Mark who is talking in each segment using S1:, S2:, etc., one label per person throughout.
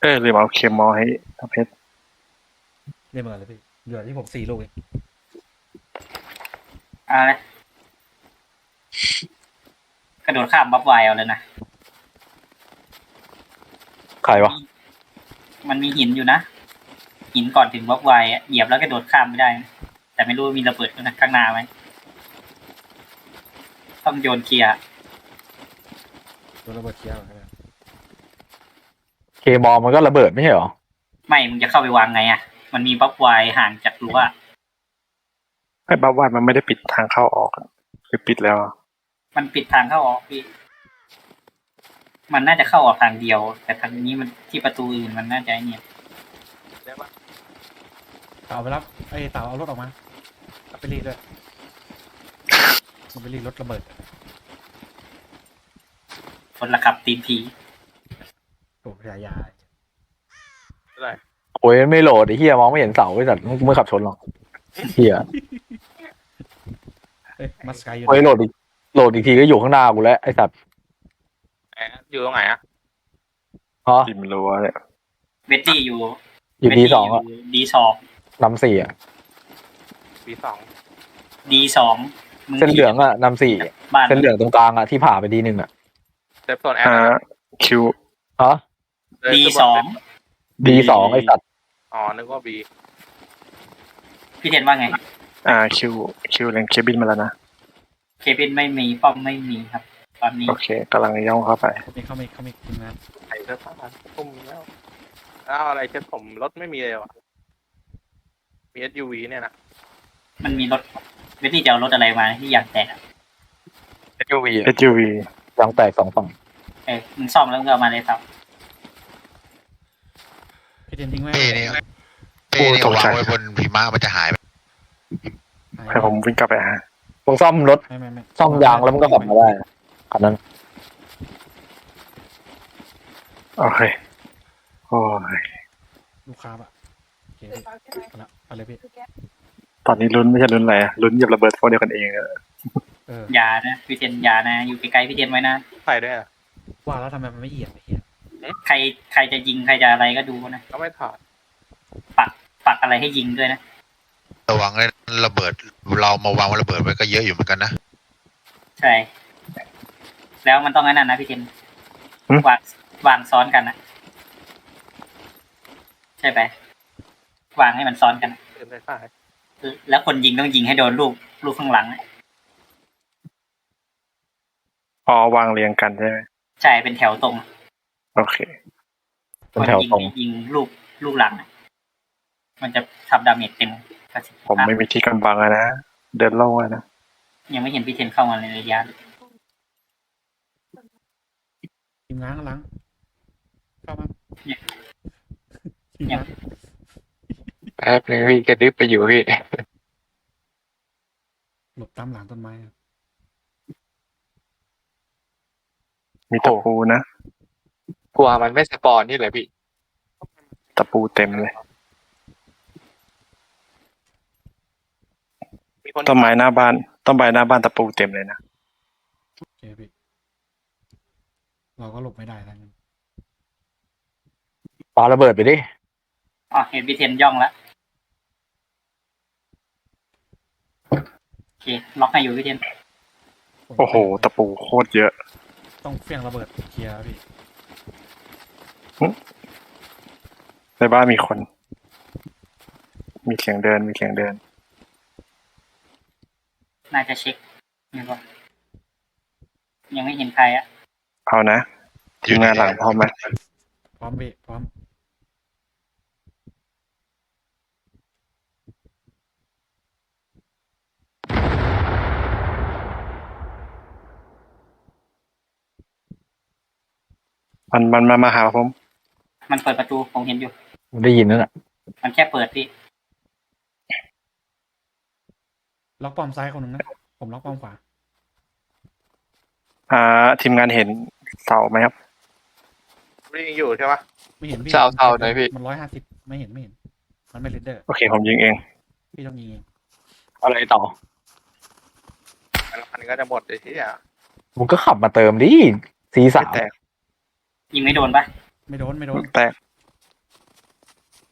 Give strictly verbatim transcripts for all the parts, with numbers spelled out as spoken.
S1: เออลืมเอาเคมอลให้เพชร
S2: เรียบร้อยเลยพี่เหลือที่ผมสี่ลูกเอง
S3: อะไรกระโดดข้ามบัฟไวเอาเลยนะ
S4: ใครวะ
S3: มันมีหินอยู่นะหินก่อนถึงบัฟไวอะเหยียบแล้วกระโดดข้ามไม่ได้นะแต่ไม่รู้มีระเบิดข้างหน้าไหมต้องโยนเคลียร์
S2: โดนระเบิดเคี้ยวครับ
S4: เคมอลมันก็ระเบิดไม่ใช่เหรอ
S3: ไม่มึงจะเข้าไปวางไงอ่ะมันมีบัฟไวห่างจากรั้ว
S1: ไอ้บ้าว่ามันไม่ได้ปิดทางเข้าออกหรือปิดแล้ว
S3: มันปิดทางเข้าออกพี่มันน่าจะเข้าออกทางเดียว แต่ทางนี้มันที่ประตูอื่นมันน่าจะเนี่ย
S2: เต่าไปรับไอ้เต่าเอารถออกมาเอาไปรีดด้วยมันไปรีดรถระเบิด
S3: คนละขับตีนผี
S2: โอ้พยายา
S5: อะไร
S4: โอ้ยไม่โหลดไอ้เหี้ยมองไม่เห็นเสาไอ้สัตว์มึงไม่ขับชนหรอกเหี้ย
S2: เอ้ยมัสกายอยู่
S4: โอ้ยโหลดอีกโหลดอีกทีก็อยู่ข้างหน้ากูแล้วไอ้สัตว์
S5: แอะอยู่ตรงไหนอะ
S4: ฮะ
S1: ริมรั้วเนี่ย
S3: เวตตี้อยู่
S4: อยู่ดีสองอะ
S3: ดีสอง
S4: นำสี่อะ
S5: ปีสอง
S3: ดีสอง
S4: เส้นเหลืองอะนำสี่
S3: บ้าน
S4: เส้นเหลืองตรงกลางอะที่ผ่าไปดีหนึ่งอะ
S5: เซฟโซนแอด
S1: อ่าคิว
S4: ฮะ
S3: ดีสอง
S4: ดีสองไอ้สัตว์
S5: อ๋อนึกว่าบี
S3: พี่เทนว่าไง
S1: อ่าคิวคิวเล่นเคบินมาแล้วนะ
S3: เคบินไม่มีป้อมไม่มีครับ ตอนนี้
S1: โอเคกำลังย่องเข้าไป
S2: เขามีเขามีเขามีทีมงาน
S5: ใส่เสื้อผ้าทุ่มแล้วอ้าวอะไรเช็ดผมรถไม่มีเลยว่ะมี เอส ยู วี เนี่ยนะ
S3: มันมีรถเวตตี้จะเอารถอะไรมาที่อยากแตกอะ
S4: เอสยูวี
S1: เอสยูวี
S4: ยางแตกสองฝั่ง
S3: เออมึงซ่อมแล้วมึงก็เอามาเลยครับ
S2: พี่เทนทิ้งไว้
S6: เป้นี่เป้นี่วางไว้บนหิมะมันจะหายไป
S1: ให้ผมวิ่งกลับไปหา
S4: มึงซ่อมรถ
S2: ไม่ไม่ไม่
S4: ซ่อมยางแล้วมันก็ขับมาได้คันนั้น
S1: โอเคโอ้ย
S2: ลูกค้าอะโอเคพี่เอาละเอาเลยพี่
S1: ตอนนี้ลุ้นไม่ใช่ลุ้นอะไรอะลุ้นเหยียบระเบิดพวกเดียวกันเองอะ
S2: เออ
S3: อย่านะพี่เทนอย่านะ อยู่ไกลๆพี่เทนไว้นะ
S5: ใส่ด้วยอะ
S2: ว่าแล้วทำไมมันไม่เอียงไอ้เหี้ย
S3: ใครใครจะยิงใครจะอะไรก็ดูนะ
S5: ก็ไม่ถอด
S3: ปักปักอะไรให้ยิงด้วยนะ
S6: ระวังเลยระเบิด เรามาวางระเบิดไว้ก็เยอะอยู่เหมือนกันนะ
S3: ใช่ แล้วมันต้องนั่นนะพี่เทนวางวางซ้อนกันนะใช่ไหมวางให้มันซ้อนกันนะ
S5: เต็มได้ฝ่าย
S3: แล้วคนยิงต้องยิงให้โดนลูกลูกข้างหลังนะ
S1: อ๋อวางเรียงกันใช่ไหม
S3: ใช่เป็นแถวตรง
S1: โอเค
S4: เป็นแถว
S3: ยิง
S4: ตรง
S3: ยิงลูกลูกหลังนะมันจะทำดาเมจเต็มประสิทธิ
S1: ผม
S3: ภาพ
S1: ไม่มีที่กำบังอะนะเดินโล่งอะนะ
S3: ยังไม่เห็นพี่เทนเข้ามาในระยะเลย
S2: ทีมงานข้างหลังเข้ามาทีม
S3: ยัง
S2: งาน
S7: แป๊บนึงพี่กระดึบไปอยู่พี่
S2: หลบตามหลังต้นไม้อะ
S1: มีตะปูนะ
S7: กลัวมันไม่สปอนนี่เลยพี่
S1: ตะปูเต็มเลย
S5: มีคน
S1: ต้นไม้หน้าบ้านต้นไม้หน้าบ้านตะปูเต็มเลยนะ
S2: โอเคพี่เราก็หลบไม่ได้ทั้งนั้น
S4: ปาระเบิดไปดิ
S3: อ๋อเห็นพี่เทนย่องแล้วโอเคล็อกให้อยู่พี่เทน
S1: โอ้โหตะปูโคตรเยอะ
S2: ต้องเฟี้ยงระเบิดเคลียร์พี่
S1: ในบ้านมีคน มีเสียงเดินมีเสียงเดิน
S3: น่าจะเช็คนี่ก็ยังไม่เห็นใครอ่ะ
S1: เอานะทีมงานหลังพร้อมไหม
S2: พร้อมพี่พร้อม
S1: มันมันมามาหาผม
S3: มันเปิดประตูผมเห็นอยู่
S4: ได้ยินนั่นแหละ
S3: มันแค่เปิดพี่
S2: ล็อกป้อมซ้ายคนหนึ่งนะผมล็อกป้อมขวา
S1: อ่าทีมงานเห็นเสาไหมครับ
S5: ไม่ยังอยู่ใช่ปะ
S2: ไม่เห็นพี่
S7: เศร้าเศร้าหน่อยพี่
S2: มันร้อยห้าสิบไม่เห็นไม่เห็น มันไม่เลดเดอร์
S1: โอเคผมยิงเอง
S2: พี่ต้องยิงเอง
S4: อะไรต่อ
S5: แล้วพันก็จะหมดเลยที่อ่ะ
S4: มึงก็ขับมาเติมดิซีสา
S5: ไม่
S4: ม
S5: แตก
S3: ยิงไม่โดนปะ
S2: ไม่โดนไม่โดน
S1: แตก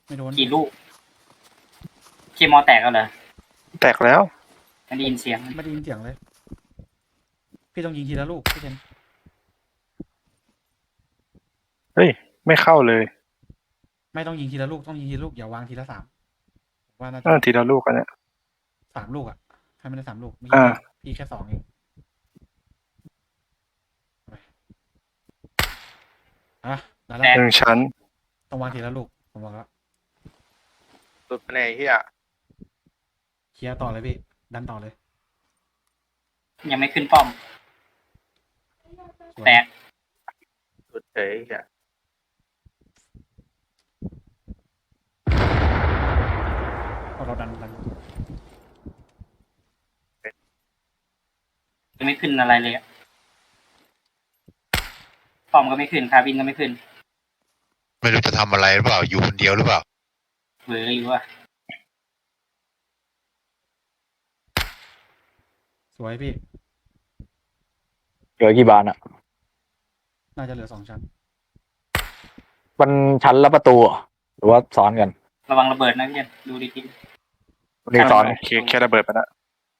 S2: ไม่โดน
S3: กี่ลูกเคมอแตกแล้วเหรอ
S1: แตกแล้ว
S3: ไม่ได้ยินเสียง
S2: ไม่ได้ยินเสียงเลย พี่ต้องยิงทีละลูกพี่เทน
S1: เฮ้ย ไม่เข้าเลย
S2: ไม่ต้องยิงทีละลูกต้องยิงทีละลูกอย่าวางทีละสามว่าน่าจะ
S1: เออทีละลูกกันเนี่ย
S2: สามลูกอ่ะให้มันได้สามลูกไม่
S1: อ่า
S2: ใช่พี่แค่สองเองไปอ่ะได้แล้ว
S1: หนึ่งชั้น
S2: ต้องวางทีละลูกผมบอกแล้ว
S5: สุดไปในเฮีย
S2: เคลียร์ต่อเลยพี่ดันต่อเลย
S3: ยังไม่ขึ้นป้อม
S2: สวย
S3: แตก
S5: สุดเฉยเฮีย
S2: พอเราดันดัน
S3: ยังไม่ขึ้นอะไรเลยอะป้อมก็ไม่ขึ้นคาบินก็ไม่ขึ้น
S6: ไม่รู้จะทำอะไรหรือเปล่า อยู่คนเดียวหรือเปล่า
S3: เบื่ออยู่ว่า
S2: สวยพี่
S4: เหลือกี่บานอะ
S2: น่าจะเหลือสองชั้น
S4: มันชั้นละประตูเหรอหรือว่าซ้อนกัน
S3: ระวังระเบิดนะพี่เจนดูดี
S4: เรียกซ้อน
S1: เคแค่ระเบิดไปแล้ว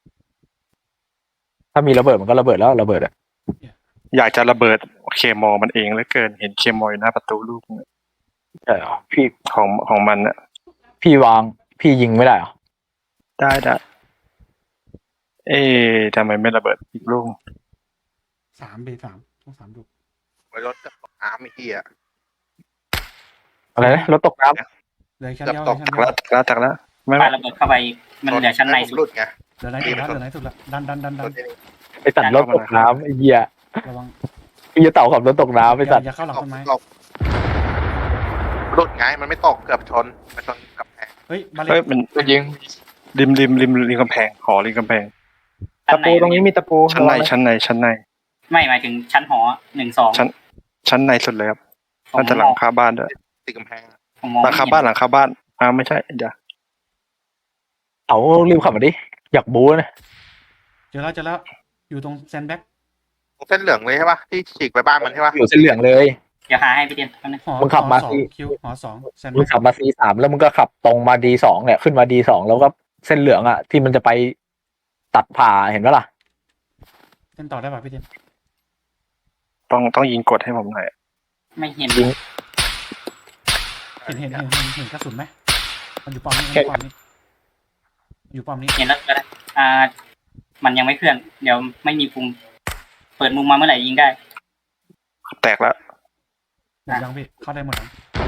S4: ถ้ามีระเบิดมันก็ระเบิดแล้วระเบิดอะ
S1: อยากจะระเบิดเคมอมันเองเหลือเกิน เห็นเคมออยู่หน้าประตูลูกนึง
S4: ใช่เหรอพี่
S1: ของของมันอะ
S4: พี่วางพี่ยิงไม่ได้เหรอ
S1: ได้ได้ เอ๊ะทำไมไม่ระเบิดอีกลูก
S2: สามเบสามต้องสามลูก
S5: ไว้รถกับน้ำไอ้เฮีย
S4: อะไรนะรถตกน้
S2: เหลือชั้น
S5: เกือบ
S2: เดียว
S5: ตก
S2: เหลือ
S1: ตั
S2: ชั้
S1: ก
S2: นเดียว
S1: แล้วตักแล้วตักแล้วไม่
S3: ๆ
S1: ไม่
S3: ปาระเบิดเข้าไปมันเหลือชั้นใน
S5: ผม
S3: สุ
S5: รุ
S3: ด
S5: ดไง
S2: เหลือไหนสุดละเหลือไหนสุดละดันดันดันดั
S5: ร
S2: น
S5: ถนี่
S4: ำไอสัตว์รถตกน้ำไอ้เหี้ย
S2: ระวัง
S4: ไอ้เหี้ยเต่าขับรถตกน้ำไอ
S2: อย่า
S4: สัตว์
S2: อย่าเข้าหลัง
S5: ตก
S2: ต้นไม้
S5: ตกรุดไงมันไม่ตกเกือบชนมันชนกับแพง
S2: เฮ้ยบาเล
S1: เฮ้ย
S2: ต
S1: มัน
S7: ก็ยิง
S1: ริมริมริมริมกำแพงหอริมกำแพง
S3: ชั้นใน
S1: ชั้นในชั้นในชั้นใน
S3: ไม่หมายถึงชั้นหอหนึ่งสอง
S1: ชั้น ชั้นในสุดเลยครับ
S3: ผม
S1: น่าจะหลังคาบ้านด้วย
S5: ติดกำแพงอะ
S3: ผมมอง
S1: หลังคาบ้านหลังคาบ้านอ่าไม่ใช่เดี๋ยว
S4: เต่ารีบขับมาดิอยากบู๊นะ
S2: เจอแล้วเจอแล้วอยู่ตรงแซนด์แบ็ก
S5: ตรงเส้นเหลืองเลยใช่ปะที่ฉีกไปบ้านมันใช่ปะ
S4: อยู่เส้นเหลืองเลย
S3: เดี๋ยวหาให้พี่เจนแป๊บนึง
S2: หอ
S4: มึงขับ
S2: หอ
S4: มา
S2: สอง
S4: สิ
S2: คิวหอสองแซนด์
S4: มึ
S2: แบ็
S4: ง
S2: ก
S4: ขับมาซีสามแล้วมึงก็ขับตรงมาดีสองเนี่ยขึ้นมาดีสองแล้วก็เส้นเหลืองอ่ะที่มันจะไปตัดผ่าเห็นปะล่ะ
S2: เส้นต่อได้ป่ะพี่เจน
S1: ต้องต้องยิงกดให้ผมหน่อย
S3: ไม่เห็น
S4: ยิง
S2: เห็นเห็นเห็นเห็นเห็นกระสุนไหมมันอยู่ป้อมนี้มันอยู่ป้อมนี้อยู่ป้อมนี้
S3: เห็นแล้วก็ได้อ่า มันยังไม่เคลื่อน เดี๋ยวไม่มีปุ่มเปิดมุมมาเมื่อไหร่ยิงได้
S1: แตกแล้ว
S2: หมดยังพี่เข้าได้หมดยัง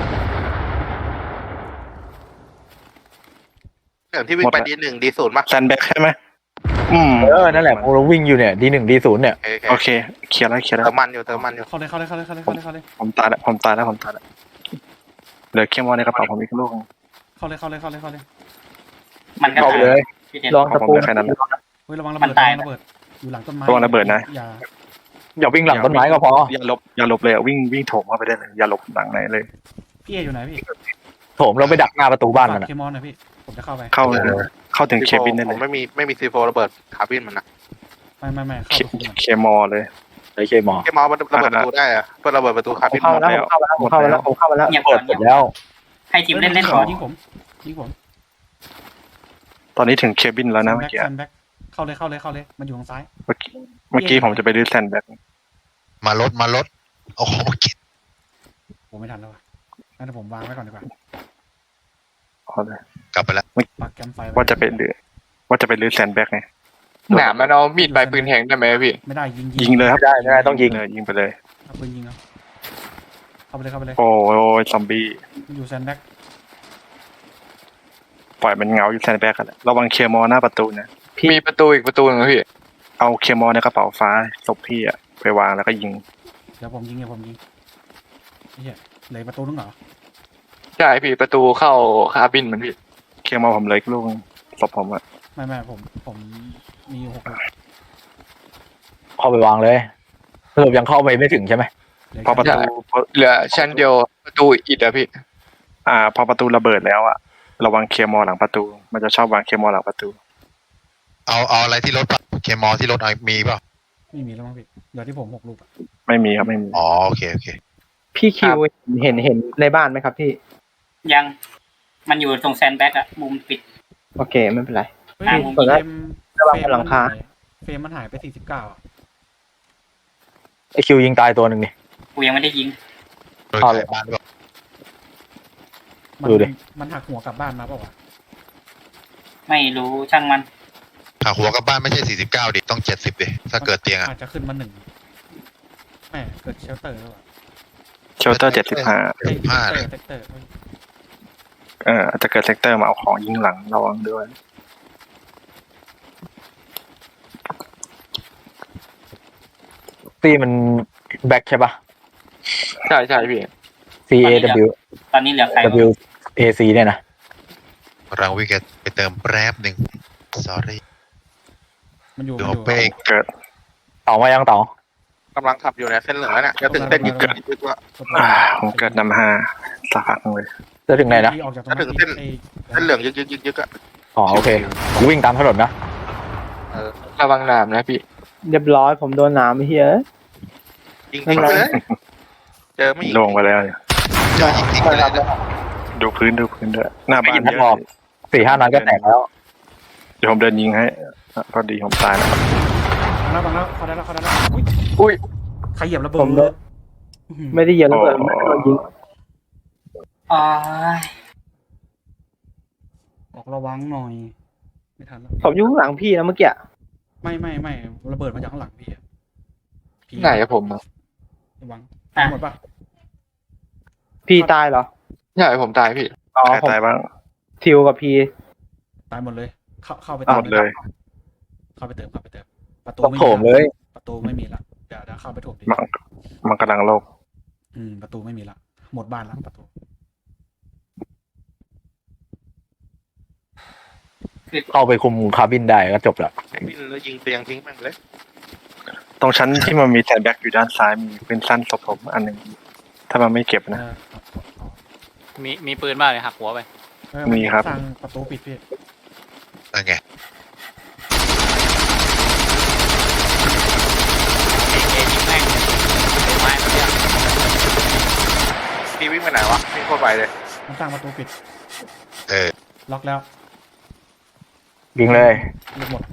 S5: เหลืองที่วิ่งไปดีหนึ่งดีศูนย์ปะ
S1: แซนแบ็กใช่ไหมอืม
S4: เออนั่นแหละพวกเราวิ่งอยู่เนี่ยดีหนึ่งดีศูนย์เนี่ย
S5: โอเค
S1: โอเคเคลียร์แล้วเคลียร์แล้ว
S5: เติมมันอยู่เติมมันอยู่
S2: เข้าเลยเข้าเลยเข้าเลยเข้าเลยเข้าเลยเข้าเลย
S1: ผมตายแล้วผมตายแล้วผมตายแล้วเหลือเคมอในกระเป๋าผมอีกลูกนึง
S2: เข้าเลยเข้าเลยเข้าเลยเข้าเลย
S3: มันก็
S4: เข้า
S3: ตาย
S4: เลย
S3: พี่เจน
S4: ลองตะปู
S1: ผมได้แค่นั้นแหละ
S2: เฮ้ยระวังระ
S3: มั
S2: เบิด
S3: นตาย
S2: ระวังระเบิดอยู่หลังต้นไม้
S1: ระวังระเบิดนะ
S2: อย่า
S4: อย่าวิ่งหลังต้นไม้ก็พอ
S1: อย่าหลบอย่าหลบเลยอะวิ่งวิ่งโถมเข้าไปได้เลยอย่าหลบหลังไหนเลย
S2: พี่เออยู่ไหนพี่
S4: โถมเราไปดักหน้าประตูบ้าน
S2: ฝาก
S4: มันอะ
S2: เคมอนหน่อยพี่ผมจะเข้าไป
S1: เข้าเข้าถึงเคบินได้
S5: ผ
S1: เล
S5: ม
S1: ย
S5: ไม่มีไม่มีซีโฟระเบิดคาร์บินมันนะ
S2: ไม่ไม่ไม่
S1: เค
S2: เข้าไปคุมก่อน
S1: เคมอเลย
S4: ไอ้เคมอ
S5: แค่มอมันระเบิดประตูได้อะเพื่อระเบิดประตูคาร์บิน
S1: เข้าแล้วเข้าแล้วเข้าแล้วเข้าแล้ว
S3: เงียบ
S4: เปิ
S3: ก่อ
S4: ด
S3: น
S4: เสร็
S3: เงียบ
S4: จแล้ว
S3: ให้ทีมเล่นเล่น
S2: ยิ
S3: ก่อน
S2: งผมยิงผม
S1: ตอนนี้ถึงเคบินแล้วนะเมื่อกี้
S2: แซนแบ็กเข้าเลยเข้าเลยเข้าเลยมันอยู่ทางซ้าย
S1: เมื่อกี้เมื่อกี้ผมจะไปดื้อแซนแบ็ก
S6: มารถมารถเอาของมากิน
S2: ผมไม่ทันแล้วว่ะงั้นเดี๋ยวผมวางไว้ก่อนดีกว่า
S1: เอาเลย
S6: กลับไปแล้ว
S2: ปักแคมป์ไฟว้
S1: ว่าจะไปดื้อว่าจะไปดื้อแซนแบ็กไง
S7: หนามมันเอามีดปลายปืนแทงได้ไหมพี่
S2: ไม่ได้ยิง
S1: ยิงเลยครับ
S4: ไม่ได้ไม่ได้ต้องยิง
S1: เลยยิงไปเลย
S2: เอาปืนยิงเอาเข้าไปเลยเข้าไปเลย
S1: โอ้ยซอมบี้
S2: มันอยู่แซนแบ็ก
S1: ปล่อยมันเงาอยู่แซนแบ็กกันแหละระวังเคมอหน้าประตูนะ
S7: มีประตูอีกประตูหนึงนะพี่
S1: เอาเคมอในกระเป๋าฟ้าศพพี่อะไปวางแล้วก็ยิง
S2: เดี๋ยวผมยิงเดี๋ยวผมยิงไอ้เหี้ยเหลือประตูนึงเหรอ
S7: ใช่พี่ประตูเข้าคาร์บินมันพี่
S1: เคมอผมเลยลูกศพผมอะ
S2: ไม่ไม่ผมผมมีอยู่หกลูก
S4: เข้าไปวางเลยสรุปยังเข้าไปไม่ถึงใช่ไหม
S2: เหลือ
S1: พอประ
S2: แค่
S1: ตูพอ
S7: เหลือชั้นเดียวประตูอิดอะพี่
S1: อ่า พอประตูระเบิดแล้วอะระวังเคมอหลังประตู มันจะชอบวางเคมอหลังประตู
S6: เอาเอาอะไรที่รถปะเคมอที่รถเอามีเปล่า
S2: ไม่มีแล้วมั้งพี่เหลือที่ผมหกลูกอะ
S1: ไม่มีครับไม่มี
S6: อ๋อโอเคโอเค
S8: พี่คิวเห็นเห็นในบ้านไหมครับพี่
S3: ยังมันอยู่ตรงแซนด์แบ็กอะมุมปิด
S8: โอเคไม่เป็นไร
S2: เฮ้ย
S3: อ่า
S2: เฟ
S3: ผม
S2: ร
S3: ได้
S2: ม
S8: ระวัง
S2: เฟรม
S8: หลังคา
S2: เฟรมมันหายไปสี่สิบเก้าอ่ะ
S4: ไอคิวยิงตายตัวหนึ่งนี่
S3: กูยังไม่ได้ยิง
S6: โดย
S4: เอา
S6: ขา
S4: เลย ย
S6: บ้านด้วย
S2: มัน
S4: ดูดิ
S2: มันหักหัวกลับบ้านมาเปล่าวะ
S3: ไม่รู้ช่างมัน
S6: หากหัวกลับบ้านไม่ใช่สี่สิบเก้าดิต้องเจ็ดสิบดิถ้าเกิดเตียงอ่ะ
S2: อาจจะขึ้นมาหนึ่งแหมเกิดเชลเตอร์แล้วอ่ะ
S1: เชลเตอร์เจ็ดสิบห้า
S2: เอ้ย
S6: ห้า
S2: เซ
S6: เล
S2: ก
S6: ย
S2: เตอร์เซกเตอร์เอ้ย
S1: เอออาจจะเกิดเซกเตอร์มาเอาของยิงหลังระวังด้วย
S4: ตีมันแบ็คใช่ปะ
S7: ใช่ใช่พี่
S4: C A W
S3: ตอนนี้เหลือใครวะ
S4: W A C เนี่ยนะ
S6: เราวิ่งกันไปเติมแป๊บหนึ่ง sorry
S2: มันอยู่
S6: ดู
S2: มันอยู่
S6: เป้ง
S1: เกิด
S4: เต่ามายังเต่าก
S5: ำลังขับอยู่เนี่ยเส้นเหลืองแล้วเนี่ยจะถึงเส้นยึกยึกยึกแล้ว
S1: อ่าผมเกิดนำห้าสักพักหนึ่งเลย
S4: จะถึงไหนนะ
S2: ที่ออกจากตรง
S5: จะถึงเส้น
S2: ไอ้
S5: เส้นเหลืองยึกยึกยึกยึกอะ
S4: อ๋อโอเคกูวิ่งตามถนนนะ
S5: เออ
S7: ระวังน้ำนะพี่
S8: เรียบร้อยผมโดนหนามเฮีย
S5: ยิงทิ้งไปเลยเจอไม่ยิง
S1: ลงไปแล้วเนี่ย
S6: เจอยิงทิ้งไปเลยนะ
S1: ดูพื้นดูพื้นด้วยหน้าบ้าน
S4: ไม่ยิง
S1: เย
S4: นัดออก
S1: อะ
S4: สี่ห้านัดก็แตกแล้ว
S1: เดี๋ยวผมเดินยิงให้อ่ะพอดีผมตายแล้ว
S2: บังแล้วบังแล้วเขาได้แล้วเขาได้แล้วอุ้ย
S7: อุ้ย
S2: ใครเหยียบระเบิ
S8: ผมโด
S2: ด
S8: นไม่ได้เหยียบระเบิดไม่ได้โดนยิง
S3: อ๋อ
S2: บอกระวังหน่อย ไม่ทันแล้ว
S8: ผมอยู่ข้างหลังพี่นะเมื่อกี้
S2: ไม่ไม่ไม่ระเบิดมาจากข้างหลังพี่อะพี่
S7: ไหนอะผมอะ
S2: ระวัง
S3: อ่ะ
S2: หมดปะ
S8: พี่ตายเหรอ
S7: ใช่ผมตายพี่
S8: อ๋อ
S1: ใคร
S8: ผม
S1: ตายบ้าง
S8: ทิวกับพี่
S2: ตายหมดเลย เข้าเข้าไป
S1: หมดเลย
S2: เข้าไปเติมเข้าไปเติมประตู
S4: ต้อง
S2: ไม่
S4: โถมเลย
S2: ประตูไม่มีละเดี๋ยวเดี๋ยวเข้าไปโถมดิ
S1: มันมันกำลังโลก
S2: อืมประตูไม่มีละหมดบ้านละประตู
S4: เข้าไปคุมคาร์บินได้ก็จบละ
S5: บินแล้วยิงเตียงทิ้งแม่งเลย
S1: ตรงชั้นที่มันมีแทนแบ็กอยู่ด้านซ้ายมีปืนสั้นศพผมอันหนึ่งถ้ามันไม่เก็บ
S2: เอ
S1: นะ
S2: อเอาเอา
S9: มีมีปืนบ้างเลยหักหัวไป
S2: เออ
S1: มีครับ
S2: สร้างประตูปิดพี่
S6: นั่นไง
S9: เอเอยิงแม่งเลยไม้มันเนี่ย
S5: พี่วิ่งไปไหนวะวิ่งเข้าไปเลย
S2: มันสร้างประตูปิด
S6: เออ
S2: ล็อกแล้ว
S4: ยิงเลย
S2: ลูกหมด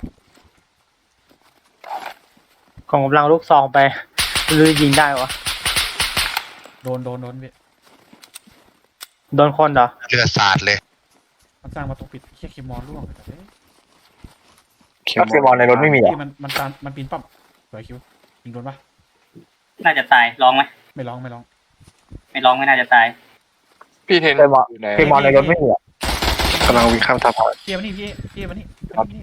S8: ของกำลังลูกซองไปหรือยิงได้วะ
S2: โดนโดนโดนพี่
S8: โดนคนเหรอ
S6: เลือดสาดเลย
S2: มันสร้างประตูปิดเคียคิมมอนร่วงแต่เอ้ย
S1: เค
S4: ถ้าเคมอนในรถไม่มีเหรอ
S2: พี่มันมันตามมันปีนป้อมสวยคิวยิงโดนปะ
S3: น่าจะตายลองไหม
S2: ไม่ร้องไม่ร้อง
S3: ไม่ลองไม่น่าจะตาย
S7: พี่เทน
S4: เคมอน
S7: อยู่ไหน
S4: เคมอนในรถไม่มีเหรอก
S1: ำลังวิ่งข้ามทับ
S2: เกียร์มานี่พี่เกียร์มานี่มานี่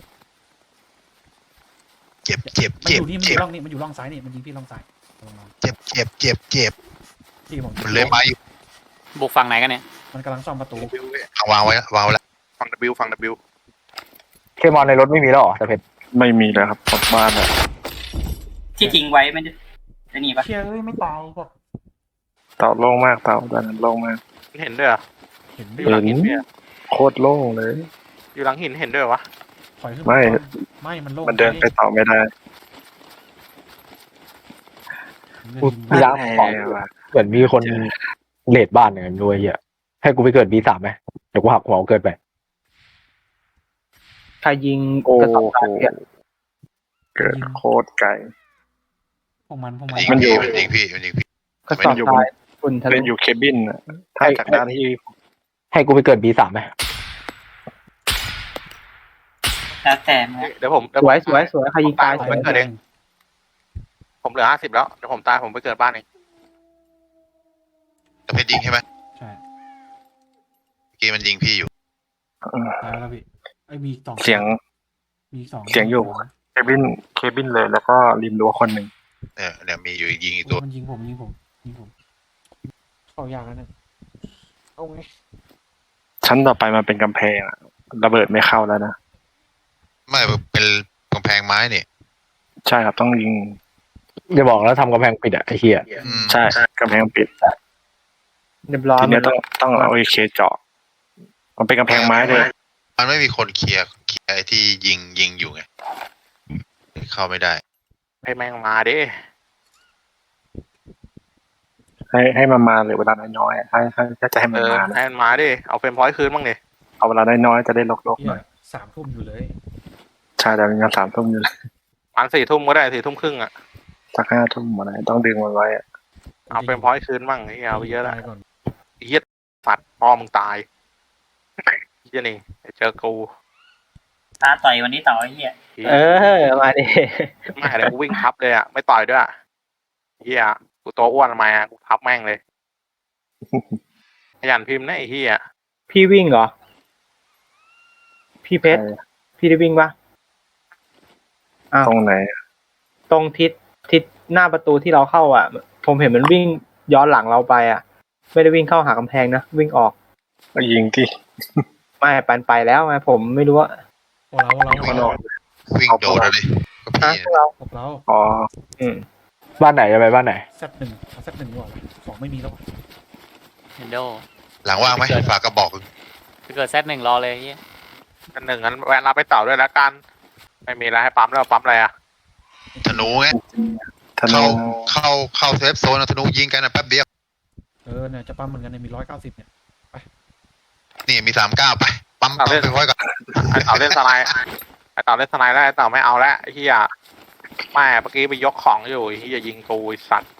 S6: เจ็บเจ็บ
S2: มัน
S6: เจ็
S2: อบ ยู่นี่มันอ
S6: เจ็บ
S2: ยู่ร่องนี่มันอยู่ร่องซ้ายนี่มันยิงพี่ร่องซ้ายระวังระวัง
S6: เจ็บเจ็บเจ็บเจ็บ
S2: พี่ผม
S6: มันเลยมาอยู่
S9: บุกฝั่งไหนกันเนี่ย
S2: มันกำลังซ่อมประตู
S5: บิวเว้ยว
S6: างไว้แล้ววางไว้แล้ว
S5: ฟัง W ฟัง W
S4: เคมอนในรถไม่มีแล้วเหรอแต่เพชร
S1: ไม่มีเลยครับหมดบ้านแล้ว
S3: ที่ทิ้งไว้ไม่ได้ไอ้นี่ปะ
S2: เชียร์เอ้ยไม่ตายก็
S1: เต่าโล่งมากเต่าด้านนั้นโล่งมาก
S5: เห็นด้วยเหรอ
S2: เห็น
S5: อ
S2: ดิ
S5: ยู่หลังหินเนี่ย
S1: โคตรโล่งเลย
S5: อยู่หลังหินเห็นด้วยเหรอวะ
S2: ถอยขึ้น
S1: ไม่
S2: ก่อนไม่มันโล่ง
S1: มันเดินไปต่อไม่ได้
S4: กูย้างของ
S1: แน่ว่ะ
S4: เหมือนมีคนเลดบ้านอย่างนั้นด้วยเหี้ยให้กูไปเกิด B สามไหมเดี๋ยวกูหักหัวกูเกิดไป
S8: ใครยิง
S1: โอ้
S8: กระสอบ
S1: โห
S8: ทรายเนี่ย
S1: เกิดโคตรไกล
S2: พวกมันพวก
S6: มั
S2: มัน น
S6: ยิง
S1: มันอยู่
S6: พี่มันยิงพี่มันยิงพี่
S8: กระสอบทรายฝุ่นทะ
S1: เป็
S8: ลุ
S1: นอยู่เคบินอะถ้าจากด้านที่
S4: ให้กูไปเกิด B สามไหม
S3: แล้วแต่นะ
S5: เดี๋ยวผมเดี๋
S8: ส
S5: ผม
S8: วยสวยสวยใครยิงตาย
S5: ผ
S8: ส
S5: ม
S8: วย
S5: ไปเกิดเอง ผมเหลือห้าสิบแล้วเดี๋ยวผมตายผมไปเกิดบ้านเอง
S6: แต่เพชรยิงใช่ไหม
S2: ใช่
S6: เมื่อกี้มันยิงพี่อยู่
S2: ตายแล้วพี่ไอ้ยมีสอง
S1: เสียง
S2: มีสอง
S1: เสียงอยู่ เคบินเคบินเลยแล้วก็ริมรั้วคนหนึ่ง
S6: เนี่ยเนี่ยมีอยู่ยิงอีก
S2: ตั
S6: ตัว ว
S2: มันยิงผมยิงผมยิงผมเข้ายากแล้วเนี่ยเอาไง
S1: ชั้นต่อไปมันเป็นกำแพงอะระเบิดไม่เข้าแล้วนะ
S6: ไม่เป็นกำแพงไม้นี่
S1: ใช่ครับต้องยิง
S4: อย่าบอกแล้วทำกำแพงปิดอะไอ้เหี้ย
S6: อืม
S1: ใช่กำแพงปิด
S8: เรียบร้อย
S1: ที
S8: หม
S1: เนี้
S8: ด
S1: ยต้องต้องเอาไอเคเจาะ มันเป็นกำแพงไม้เลย
S6: มันไม่มีคนเคลียร์เคลียร์ไอ้ที่ยิงยิงอยู่ไงเข้าไม่ได้
S5: ให้แม่งมาดิ
S1: ไอให้ให้มันมาเหรือเวลาน้อยๆอะให้ให้ถ้าจะให้
S5: เอ
S1: มัน
S5: อ
S1: มานะ
S5: ให้มันมาดิเอาเฟรมพอยต์คืนบ้างดิ
S1: เอาเวลาน้อยๆจะได้ลกๆห
S2: เฮี
S1: น่อย
S2: ยสามทุ่มอยู่เลย
S1: ใช่แต่เป็นงานสามทุ่มอยู่เลย
S5: อันสี่ทุ่มก็ได้สี่ทุ่มครึ่งอ่ะ
S1: สักห้าทุ่มอะไรต้องดึงมันไว้อะ
S5: เอาเฟรมพอยต์คืนบ้างไอ้เหี้ยเอาไปเยอะแล้ว
S2: ตายก่อน
S5: ไอ้เหี้ยสัตว์พ่อมึงตายไอ้เหี้ยนี่เจอกู
S3: ตาต่อยวันนี้ต่อไอ้เหี้ย
S8: เออ มาดิ
S5: ไม่เดี๋ยวกูวิ่งทับเลยอ่ะไม่ต่อยด้วยอะเหี้ยกูตัวอ้วนทำไมอ่ะกูทับแม่งเลยขยันพิมพ์นะไอ้เหี้ย
S8: พี่วิ่งเหรอ พี่เพชร พี่ได้วิ่งปะอ้าว
S1: ตรงไหน
S8: ตรงทิศทิศหน้าประตูที่เราเข้าอ่ะ ผมเห็นมันวิ่งย้อนหลังเราไปอ่ะ ไม่ได้วิ่งเข้าหากำแพงนะ วิ่งออก
S1: ก็ยิงที่
S8: ไม่ปันไปแล้วไงผมไม่รู้ว่า
S2: พวกเราพวกเราพว
S1: ข้าก งน
S2: เรา
S1: อก
S6: วิ่งโดดอะดิก็
S8: ฮะ
S6: พี่
S8: พวกเรา
S2: พวกเรา
S1: อ๋อ
S8: อืม
S4: บ้านไหนจะไปบ้านไหน
S2: แซดหนึ่งเอาแซดหนึ่งดีกว่าสองไม่มีแล้ววะ
S9: เฮนโด
S6: หลังว่างไหมฝากกระบอก
S9: ถ้าเกิดแซดหนึ่งรอเลยเฮีย
S5: กันหนึ่งงั้นแวะรับไปต่อด้วยแล้วกัน ไม่มีอะไรให้ปั๊มแล้วปั๊มอะไรอ่ะ
S6: ธนูไง
S1: ธนู
S6: เข้าเข้าเข้าเซฟโซนอะธนูยิงกันนะแป๊บเดียว
S2: เออเนี่ยจะปั๊มเหมือนกันเนี่ยมีร้อยเก้าสิบเนี่ย
S6: นี่มีสามเก้าไปปั๊มปั๊มไปไว้ก่อน
S5: ไอ้เต่าเล่นสไนด์ไอ้เต่าเล่นสไนด์แล้วไอ้เต่าไม่เอาแล้วไอ้เหี้ยแม่เมื่อกี้ไปยกของอยู่ไอ้เหี้ยยิงกูไอ้สัตว์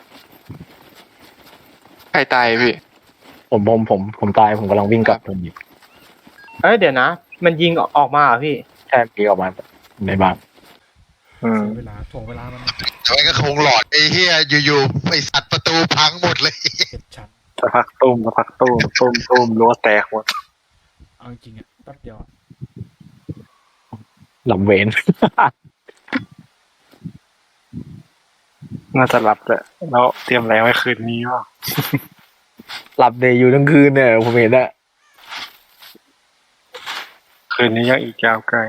S7: ใครตายพี่
S4: ผมผมผมผมตายผมกำลังวิ่งกลับผมหยิบ
S8: เอ้ยเดี๋ยวนะ มันยิงออกมาเหรอพี่
S4: แค่ปีออกมาในบ้าน
S1: อืม
S2: เสียเวลาถ่วงเวลามัน
S6: แต่ว่าก็คงหลอดไอ้เหี้ยอยู่ๆไอ้สัตว์ประตูพังหมดเลย
S2: เจ็ดชั้น
S1: สักพักตุ้มสักพักตุ้มตุ้มตุ้มรั้วแตกหมด
S2: เอาจริงๆอ่ะแป๊บเดียวอะ
S4: หลับเวน
S1: น่าจะหลับแหละแล้วเตรียมแรงไว้คืนนี้ว่า
S4: หลับเดย์อยู่ทั้งคืนเนี่ยผมเห็นอะ
S1: คืนนี้ยังอีกยาวไกล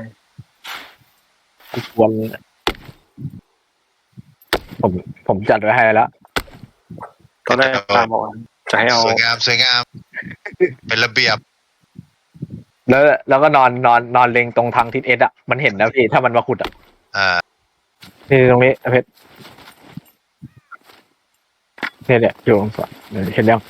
S4: วันผมผมจัดไว้ให้แล้ว
S1: ตอนแรกตามบอกว่าจะให้เอา
S6: สวยงามสวยงาม เป็นระเบียบ
S4: แล้วแล้วก็นอนนอนนอนเล็งตรงทางทิศเอสอะมันเห็นนะพี่ถ้ามันมาขุดอะ
S6: อ่า
S4: นี่ตรงนี้เพชรเนี่ยเนี่ยอยู่ตรงฝั่งเนี่ยเห็นยัง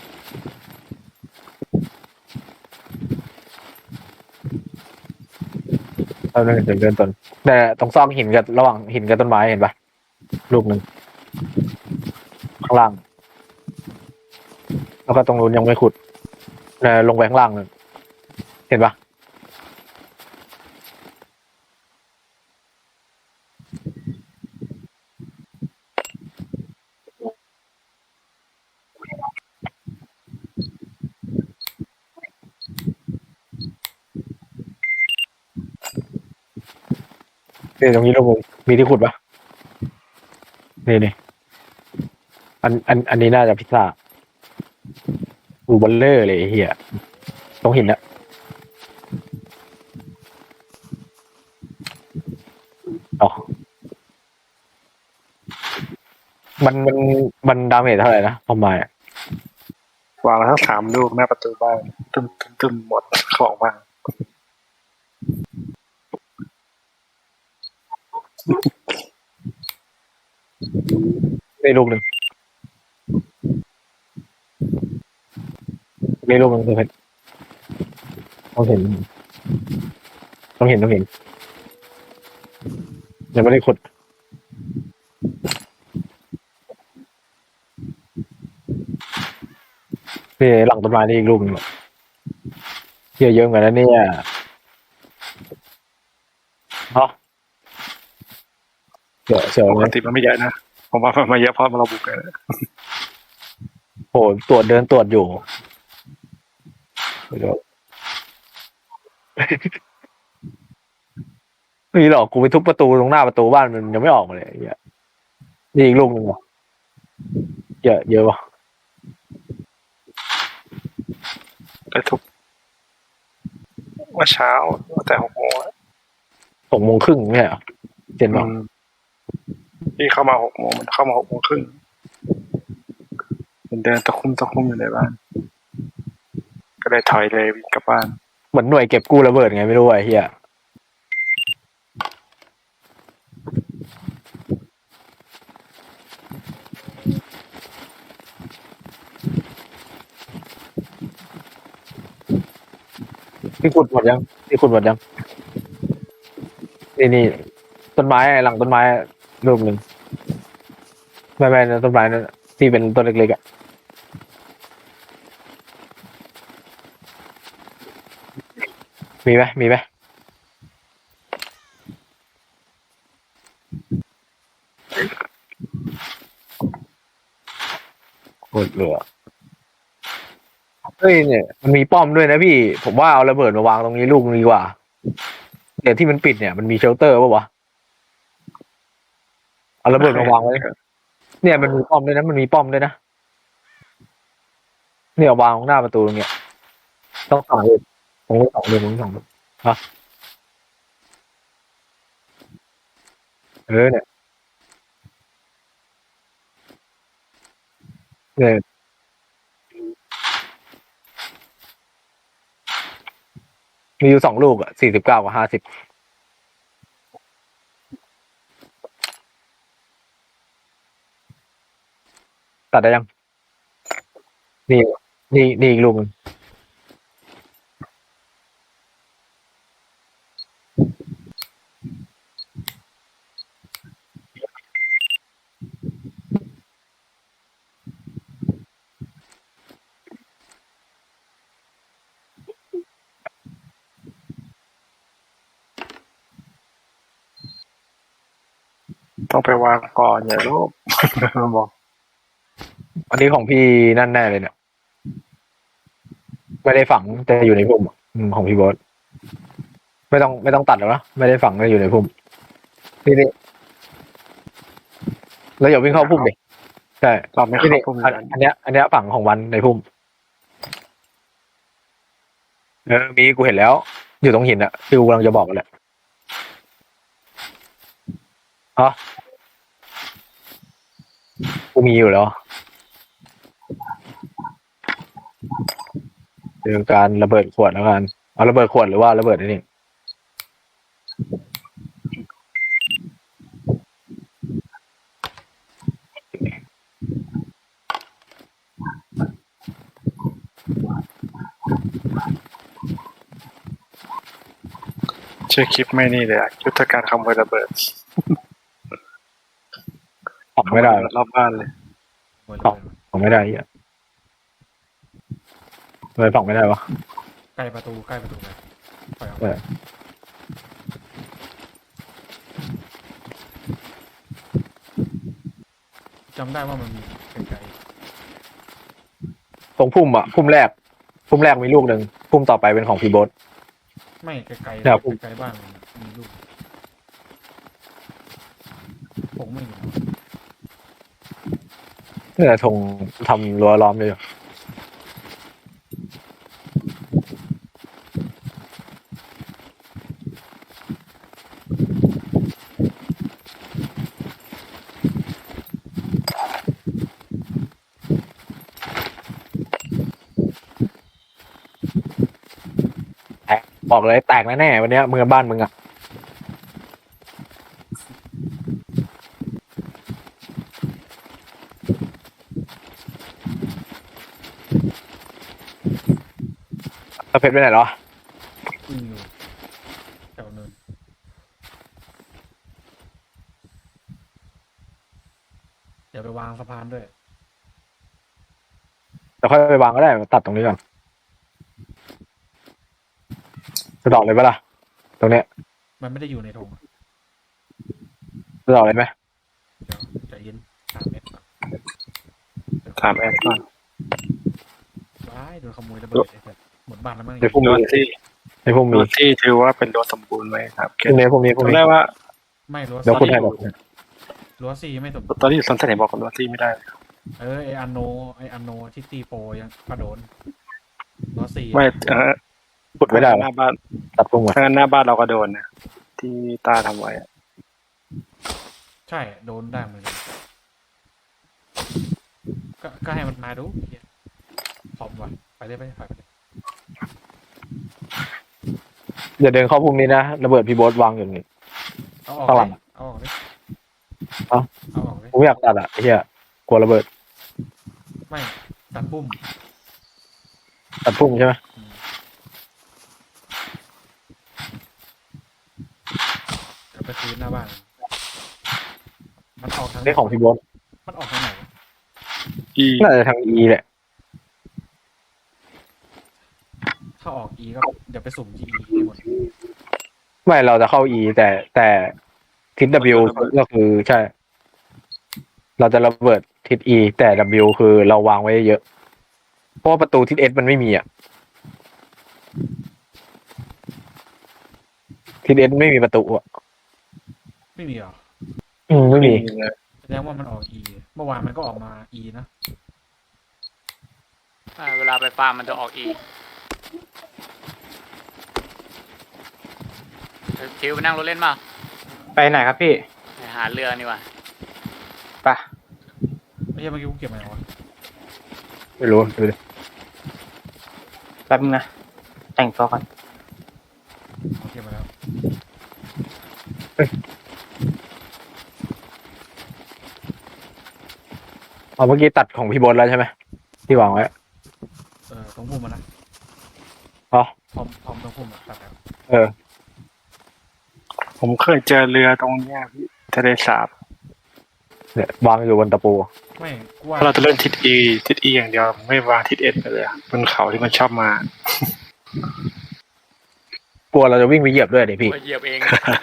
S4: เอาเดินเดินเดินต้นแต่ตรงซอกหินกับระหว่างหินกับต้นไม้เห็นปะลูกหนึ่งข้างล่าง แล้วก็ตรงนู้นยังไม่ขุดเนี่ยลงไปข้างล่างเลยเห็นปะ นี่ตรงนี้ลูกมึงมีที่ขุดปะนี่นี่อันอันอันนี้น่าจะพิซซ่าอูบอลเลอร์เลยไอ้เฮียตรงหินอะอ๋อมันมันมันดาเมจเท่าไหร่นะประมาณอะ
S1: วางแล้วทั้งสามลูกหน้าประตูบ้านตึมตึมตึมหมดของบ้าน
S4: ได้ลูกหนึ่งได้ลูกหนึ่งเพชรต้องเห็นต้องเห็นต้องเห็นยังไม่ได้ขุดนี่หลังต้นไม้นี่อีกลูกหนึงเยอะเยอะเหมือนกันนะเนี่ยเนาะเสือเสือ
S1: ป
S4: เล
S1: ก
S4: ย
S1: ติมันไม่เยอะนะผมว่ามันมาเยอะเพราะเราบุกกัน
S4: โหตรวจเดินตรวจอยู่เดี๋ยวนี่หรอกกูไปทุบประตูตรงหน้าประตูบ้านมันยังไม่ออกมาเลยไอ้เหี้ยนี่อีกลูกหนึ่งเหรอเยอะเยอะวะ
S1: ไปทุกเมื่อเช้าแต่หกโมงอะ
S4: หกโมงครึ่งไม่ใช่เหรอเจนบอก
S1: อืมพี่เข้ามาหกโมงมันเข้ามาหกโมงครึ่งมันเดินตะคุ่มตะคุ่มอยู่ในบ้าน ก็เลยถอยเลยวิ่งกลับบ้าน
S4: เหมือนหน่วยเก็บกู้ระเบิดไงไม่รู้ไอ้เหี้ยพี่ขุดหมดยังพี่ขุดหมดยังนี่นี่ต้นไม้หลังต้นไม้รูปหนึ่งไม่ไม่นะต้นไม้นั่นที่เป็นต้นเล็กๆอ่ะมีไหมมีไหมโคตรเหลือเฮ้ยเนี่ยมันมีป้อมด้วยนะพี่ผมว่าเอาระเบิดมาวางตรงนี้ลูกนึงดีกว่าเดี๋ยวที่มันปิดเนี่ยมันมีเชลเตอร์ป่ะวะเอาระเบิดมาวางไว้เนี่ยมันมีป้อมด้วยนะมันมีป้อมด้วยนะเนี่ยวางตรงหน้าประตูตรงเนี้ยต้องสองเลยตรงนี้สองเลยตรงนี้สองเลยฮะเออเนี่ยเนี่ยมีอยู่สองลูกอ่ะสี่สิบเก้ากับห้าสิบตัดได้ยังนี่นี่นี่อีกลูกหนึง
S1: ต้องไปวางก่อนอย่าลูก มันบอก
S4: อันนี้ของพี่นั่นแน่เลยเนี่ยไม่ได้ฝังแต่อยู่ในพุ่มอะอืมของพี่โบ๊ทไม่ต้องไม่ต้องตัดแล้วนะไม่ได้ฝังแต่อยู่ในพุ่มนี่นี่แล้วอย่าวิ่งเข้าพุ่มดิใช่
S1: เราไม่
S4: นี่
S1: เข้า
S4: นี่
S1: พุ่ม
S4: อัน
S1: นั้น
S4: อันเนี้ยอันเนี้ยฝั่งของวันในพุ่มเออมีกูเห็นแล้ว อยู่ตรงหินอะที่กูกำลังจะบอกกันแหละฮะกูมีอยู่แล้วเรื่องการระเบิดขวดแล้วกันเอาระเบิดขวดหรือว่าระเบิดไอ้นี่
S1: ชื่อคลิปไม่นี่เลยอะยุทธการขโมยระเบิด
S4: ฝังไม่ได้
S1: รอบบ้านเลย
S2: หมด
S4: ตอบ ฝังไม่ได้เหี้ยเลยฝังไม่ได้วะ
S2: ใกล้ประตูใกล้ประตูเลยปล่อยออก
S4: เอ
S2: มา
S4: อ
S2: จำได้ว่ามันมีไกล
S4: ตรงพุ่มอะพุ่มแรกพุ่มแรกมีลูกหนึ่งพุ่มต่อไปเป็นของพี่โบ๊ท
S2: ๆไม่ไกลๆ
S4: ครับผม
S2: ไกลๆบ้านมันมีลูกผมไม่เห็น
S4: เนี่ยธงทำรั้วล้อมเลยอยู่แตกบอกเลยแตกแน่ๆวันเนี้ยมึงกับบ้านมึงอะแล้วเพชรไปไหนเหรอ
S2: วิ่งอยู่แถวเนินเดี๋ยวไปวางสะพานด้วย
S4: แต่ค่อยไปวางก็ได้ตัดตรงนี้ก่อนจะดอกเลยปะล่ะตรงเนี้ย
S2: มันไม่ได้อยู่ในธง
S4: จะดอกเลยไหม
S2: เดี๋ยวใจเย็นสามเมตรก่อน
S1: ถามแอดก่อน
S2: ว้ายโดนขโมยระเบิดไอ้สัสหมดบ้านแล้วมั้ง
S4: ในพุ่ม
S1: โด
S4: มี
S1: นที่
S4: ในพุ่ม
S1: โด
S4: มี
S1: นที่ถือว่าเป็นรั้วสมบูรณ์ไหมครับ
S4: พรุ่งนี้พรุ่งนี้พรุ่ง
S1: ตอน
S4: นี้
S1: แรกว่า
S2: ไม่รั้ว
S4: เดี๋ยวคุณให้
S2: ซี่
S4: บอก
S2: รั้วซี่ไม่สม
S1: ตอนที่อยู่สวนสนุกบอกกับรั้วที่ไม่ได้
S2: เออไออันโนไออันโนที่ตีโปยังกระโดนรั้วซี่
S1: ไม่เออ
S4: ขุดไม่ได้
S1: ห
S4: วะ
S1: น้าบ้าน
S4: ตัดพุ่มก่อน
S1: ถ้างั้นหน้าบ้านเราก็โดนนะที่ตาทำไว้อะ
S2: ใช่โดนได้เหมือนกันก็ก็ให้มันมาดูเหี้ยพร้อมว่ะไปเลยไปเลยไปเลย
S4: อย่าเดินเข้าพุ่มนี้นะระเบิดพี่โบ๊ทวางอยู่นี่
S2: เอาออก
S4: ข้างหลั
S2: เล
S4: ง
S2: ยเอาออกเลย
S4: เอ้า
S2: เอาออกเลย
S4: ผมอยากตัดอ่ะไอ้เหี้ยกลัวระเบิด
S2: ไม่ตัดปุ่ม
S4: ตัดพุ่มใช่ไหม
S2: อืมพื้นหน้าบ้าน มันออกทาง
S4: ได้ของพี่โบอส
S2: มันออกทางไหน
S1: อี
S4: น่าจะทางอีแหละ
S2: ถ้าออก E ก็เดี๋ยวไปสุ่ม G E ให้หมด
S4: ไม่เราจะเข้า E แต่แต่ทิศ W ก็คือใช่ เราจะระเบิดทิศ E แต่ W คือเราวางไว้เยอะ เพราะว่าประตูทิศ S มันไม่มีอ่ะทิศ S ไม่มีประตูอ่ะ
S2: ไม่มีเหรอ
S4: อืมไม่มี
S2: แสดงว่ามันออก E เมื่อวานมันก็ออกมา E นะ
S9: อ่าเวลาไปฟาร์มมันจะออกอีทิวไปนั่งรถเล่นมา
S8: ไปไหนครับพี่
S9: ไปหาเรือนี่ว่ะ
S8: ไป
S2: ไม่ใช่เมื่อกี้กูเก็บมาแล้ววะ
S4: ไม่รู้ดูดิ
S8: แป๊บนึงนะ แต่งตัวก่อน
S2: เอาเก็บมาแล้ว
S4: เอาเมื่อกี้ตัดของพี่โบอสแล้วใช่ไหมที่วางไว้
S2: เออตรงพุ่มมันนะ
S4: อ๋อ
S2: พร้อมพร้อมตรงพุ่มอะตัดแล้ว
S4: เออ
S1: ผมเคยเจอเรือตรงเนี้ยพี่ทะเลสาบ
S4: เนี่ยวางอยู่บนตะปู
S2: ไม่กูว่า
S1: ถ้าเราจะเล่นทิศอีทิศอีอย่างเดียวไม่วางทิศเอสไปเลยอะบนเขาที่มันชอบมา
S4: กลัวเราจะวิ่งไปเหยียบด้วยดิพี่
S9: ไปเหยียบเอง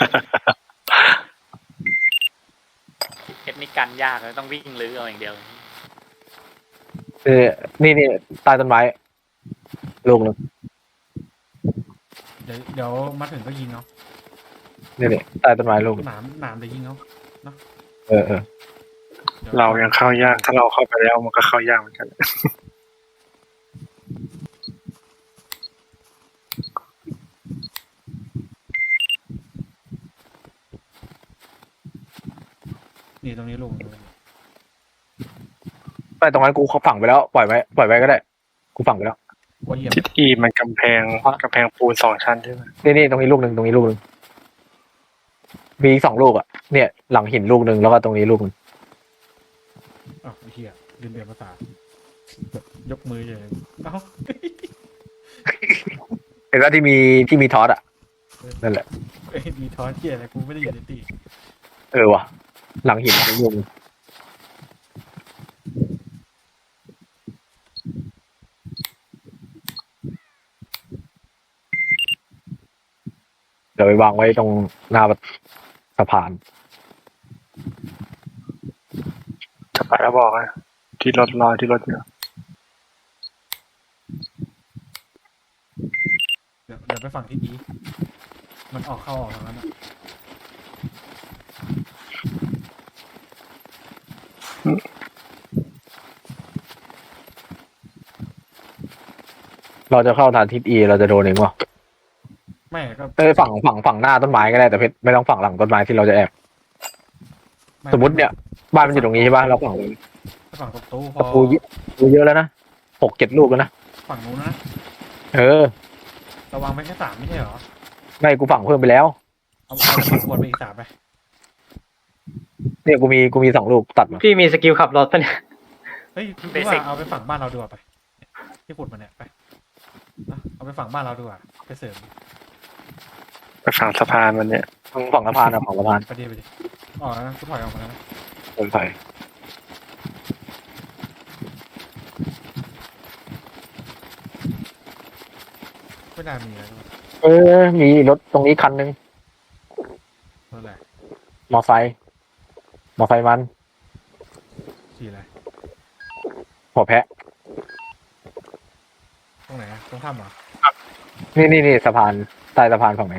S9: เอ็ดนี่กันยากเลยต้องวิ่งลื้อเอาอย่างเดียว
S4: เออนี่นี่ใต้ต้นไม้ลูกหนึง
S2: เดี๋ยวเดี๋ยวมาถึงก็ยิงเนาะ
S4: นี่นี่ใต้ต้นไม้ลูกหนึ่ง
S2: หนามหนามเดี๋ยวยิงเนาะ
S4: เออเออ
S2: ดี๋ยว
S1: เรายังเข้ายากถ้าเราเข้าไปแล้วมันก็เข้ายากเหมือนกัน
S2: นี่ตรงนี้ลง
S4: ไปตรงนั้นกูเขาฝังไปแล้วปล่อยไว้ปล่อยไว้ก็ได้ กูฝังไปแล้ว
S2: ว่าเหยียบ
S1: ทิศอีมันกำแพงกำแพงปูนสองชั้นใช่ไหม
S4: นี่นี่ตรงนี้ลูกหนึ่งตรงนี้ลูกหนึ่งมีอีกสองลูกอ่ะเนี่ย หลังหินลูกหนึ่งแล้วก็ตรงนี้ลูกหนึ่ง
S2: อ้าวไอ้เหี้ยลืมเปลี่ยนภาษา ยกมือเลยเอ้า
S4: เห็นว่าที่มีที่มีทอสอ่ะนั่นแหละ
S2: เอ้ยมีทอนเหี้ยอะไรกูไม่ได้อยู่ในตี
S4: เออว่ะ หลังหินลูกหนึ่งเดี๋ยวไปวางไว้ตรงหน้าสะพาน
S1: จะไปแล้วบอกนะที่รถรอที่รถอยู่
S2: เดี๋ยวเดี๋ยวไปฝั่งที่อีมันออกเข้าออกทางนั้นอะ
S4: เราจะเข้าทางทิศอีเราจะโดนเองวะ
S2: ไม่ก็
S4: เออฝั่งฝั่งฝั่งหน้าต้นไม้ก็ได้แต่เพชรไม่ต้องฝั่งหลังต้นไม้ที่เราจะแอบ
S2: ไ
S4: สมมติเนี่ยบ้านมันอยู่ตรงนี้ใช่ป่ะเราฝั่ง
S2: ฝั่งประตูพ
S4: ตะ
S2: อ
S4: ปูเยอะปูเยอะแล้วนะหกเจ็ดลูกแล้วนะ
S2: ฝั่งนู้นนะ
S4: เออ
S2: ระวังไปแค่สามไม่ใช่เหรอ
S4: ไม่กูฝั่งเพิ่มไปแล้ว
S2: เอาเอาเอาขวดไปอีกสามไป
S4: เนี่ยกูมีกูมีสองลูกตัดมา
S8: พี่มีสกิลขับรถปะเนี่ย
S2: เฮ้ยพี่ว่าเอาไปฝั่งบ้านเราดีกว่าไปที่ขุดมาเนี่ยไปเอาเอาไปฝั่งบ้านเราดีกว่าไปเสริม
S1: ไปฝั่งสะพานมันเนี่ย
S4: ฝั่งสะพานอะฝั่งสะพาน
S2: ไปดิไปดิออกแล้วนะกูถอยออกมาแล้วนะ
S4: เดินไป
S2: ไม่น่ามีแล้ว
S4: เออ มีรถตรงนี้คันนึง
S2: นั่นแหละ
S4: มอไซค์มอไซค์มัน
S2: สีอะไร
S4: หัวแพะ
S2: ตรงไหนอะตรงถ้ำเหรอ
S4: นี่นี่นี่สะพานใต้สะพานฝั่งไหน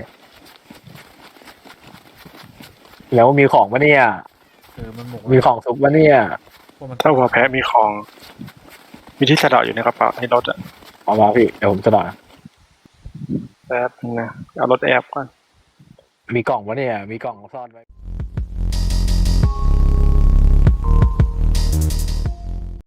S4: แล้วมีของปะเนี่ย
S2: เออมันหมก
S4: มีของซุกปะเนี่ย
S2: พวกมัน
S1: ถ้าหัวแพะมีของ มีที่สะเดาะอยู่ในกระเป๋าในรถอะ
S4: เอามาพี่เดี๋ยวผมจะด่า
S1: แป๊บนึงนะเอารถแอบก่อน
S4: มีกล่องปะเนี่ย มีกล่องซ่อนไว้